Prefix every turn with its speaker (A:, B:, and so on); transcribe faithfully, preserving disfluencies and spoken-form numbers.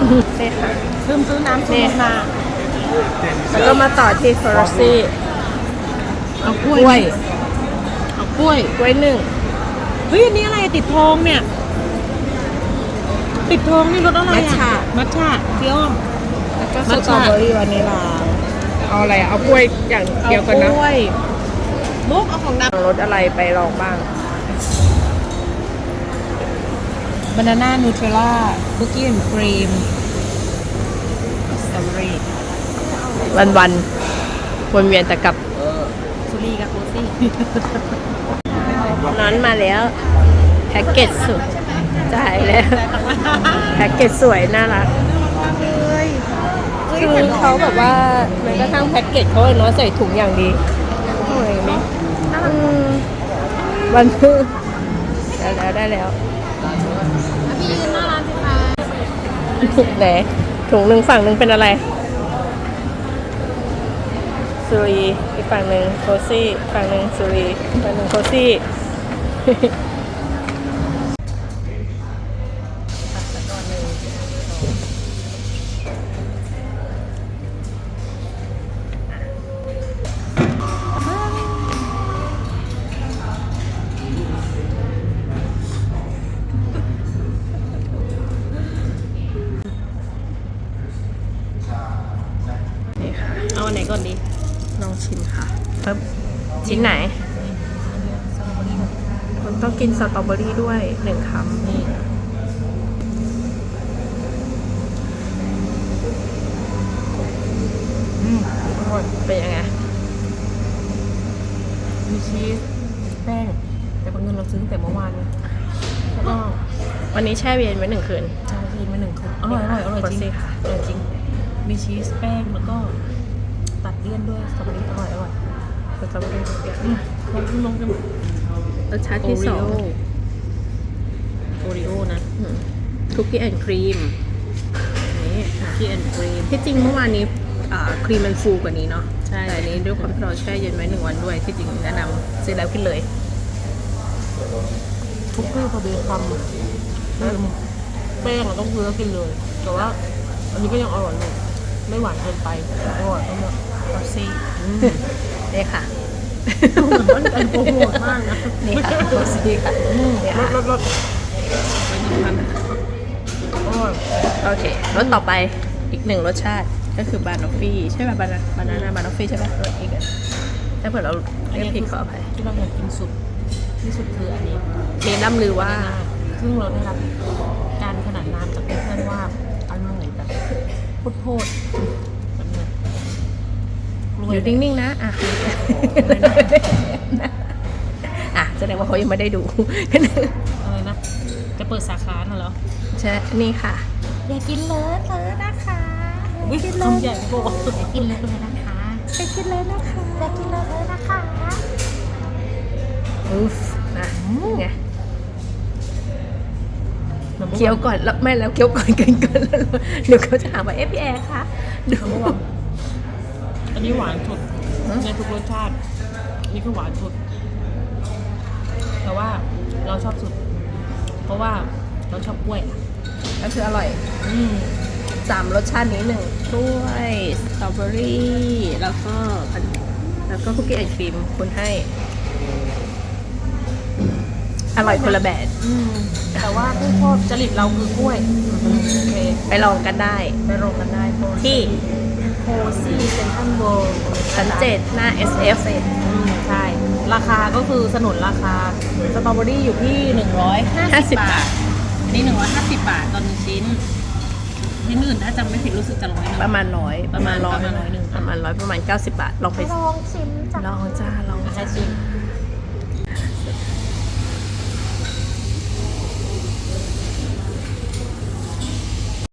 A: นี่ค่ะ
B: ลืมซื้อน้ำซื้อมา
A: แล้วก็มาต่อที่ฟอร์ซี่
B: เอากล้วย เอากล้วย
A: กล้วยหนึ่ง
B: เฮ้ยอันนี้อะไรติดทองเนี่ย ติดทองนี่รสอะไร
A: มัท
B: อ่ะ
A: ฉะ
B: มัทฉะเกี๊ยว
A: แล้วก็
B: มั
A: ส
B: ท
A: ตรอ
B: ฉะ
A: เบอรี่วานิลาเอาอะไรอะเอากล้วยอย่างเดียวกันนะ
B: เอากล้วยมุกเอาของด
A: รสอะไรไปลองบ้าง
B: ำบานาน่านูเทลล่าคุกกี้แอนด์ครีมสตรอเบอรี่
A: วันวันๆวนเวียนแต่กับ
B: สุรีกับโคซี่
A: นั้นมาแล้วแพ็กเกจสุดจ่ายแล้วแพ็กเกจสวยน่ารักคือเขาแบบว่าแม้กระทั่งแพ็กเกจเขาเลยเนาะใส่ถุงอย่างดีโอ้ยนี่อืมวันพึ่งได้แล้วได้แล้ว
B: พี่ยืนหน้าร้านสิคะ
A: ไหนถุงหนึ่งฝั่งหนึ่งเป็นอะไรซูรีอีกฝั่งหนึ่งโคซี่อีกฝั่งหนึ่งซูรีอีกฝั่งหนึ่งโคซี่ นี่ค่ะ
B: เอาอันไหนก่อนดี
A: ลองชิมค่ะปึ๊บชิ้นไหนคุณต้องกินสตรอเบอรี่ด้วยหนึ่งคำนี่อืมเป็นยังไง
B: มีชีสแป้งแต่บางเงินเราซื้อตั้งแต่เมื่อวานเลยแล้วก็
A: วันนี้แช่เย็นไว้หนึ่งคืน
B: ชาครีมมาหนึ่งคืนอร่อยอร่อยอร่อยจริง
A: โคซี่ค่ะ
B: อร่อยจริง มีชีสแป้งแล้วก็ตัดเลี่ยนด้วยสตรอเบอรี่อร่อยอร่อย
A: สตรอเบอรี่ทุกอย่าง
B: อืมลองชิมลองชิม
A: รสชาติที่สอง
B: โอริโอนะ
A: คุกกี้แอนด์ครีมนี่
B: คุกกี้แอนด์ครีม
A: ที่จริงเมื่อวานนี้อ่าครีมมันฟูกว่านี้เนาะ
B: ใช่
A: แต่อันนี้ด้วยความที่เราแช่เย็นไว้หนึ่งวันด้วย ที่จริงแนะนำซื้อแล้วกินเลย
B: คุกกี้พอดีคำอืมแป้งอะต้องซื้อแล้วกินเลย แต่ว่า อันนี้ก็ยังอร่อยอยู่ไม่หวานเกินไปอร่อยทั้งหมด
A: โคซี่นี่ค่ะ
B: เหมือนมันเป็นโปรโมทมากนะ
A: นี่ค่ะโคซี่ค่ะนี่
B: ร
A: ค่ะ
B: สรสรสอร่อย
A: โอเครสต่อไปอีกหนึ่งรสชาติก็คือบานอฟฟี่ใช่ไหมบานาบานาน่าบานอฟฟี่ใช่ไหมรสอีกอ่ะถ้าเผื่อเราเรียกผิดขออภัย
B: ที่เราอยากกินสุดที่สุดคืออันนี้
A: มีน้ำลือว่า
B: ซึ่งเราได้รับการขนานนามจากเพื่อนๆว่าอร่อยแบบโคตรๆแบบเนี้ยกล้วย
A: อยู่นิ่งๆนะอ่ะอ่ะแสดงว่าเขายังไม่ได้ดู
B: อะไรนะ จะเปิดสาขาน่ะเหรอ
A: ใช่นี่ค่ะ
B: อย่ากินเลยเลยนะคะอย่ากินเลยคำใหญ่โบอย่ากินเลยเลยนะคะอย่ากินเลยนะคะอย่ากินเลยเลยนะคะ
A: อุ๊ฟนะไงเคี้ยวก่อนแล้วไม่แล้วเคี้ยวก่อนกินก่อนแล้วเดี๋ยวเขาจะหาว่าเอฟพีแอร์คะดู
B: อันนี้หวานสุดในทุกรสชาตินี่คือหวานสุด แต่ว่าเราชอบสุด เพราะว่าเราชอบกล้วย
A: ก็คืออร่อย
B: อืม
A: สามรสชาตินี้หนึ่งกล้วยสตรอเบอรี่แล้วก็อันแล้วก็คุกกี้แอนด์ครีมคุณให้ อร่อยคนละแบบ
B: อืมแต่ว่าผู้ชอบจริตเราคือกล้วยโอเค
A: ไปลองกันได้
B: ไปโรงกันได้โพ
A: ที่
B: โพซี่เซ็นทรัลเวิลด์
A: ชั้นเจ็ดหน้า เอส เอฟ
B: อืมใช่ ราคาก็คือสนุนราคาสตรอเบอรี่อยู่ที่หนึ่งร้อยห้าสิบบาทอันนี้หนึ่งร้อยห้าสิบบาทต่อหนึ่งชิ้นที่อื่นถ้าจำไม่ผิดรู้สึกจะร้อยหนึง
A: ประมาณร้อย
B: ประมาณร้อยประมาณร้อยหนึ่ง
A: ประมาณร้อยประมาณเก้าสิบบาท ลองไป
B: ลองชิมจ้ะ
A: ลองจ้าลอง
B: จะ
A: จ้า
B: ช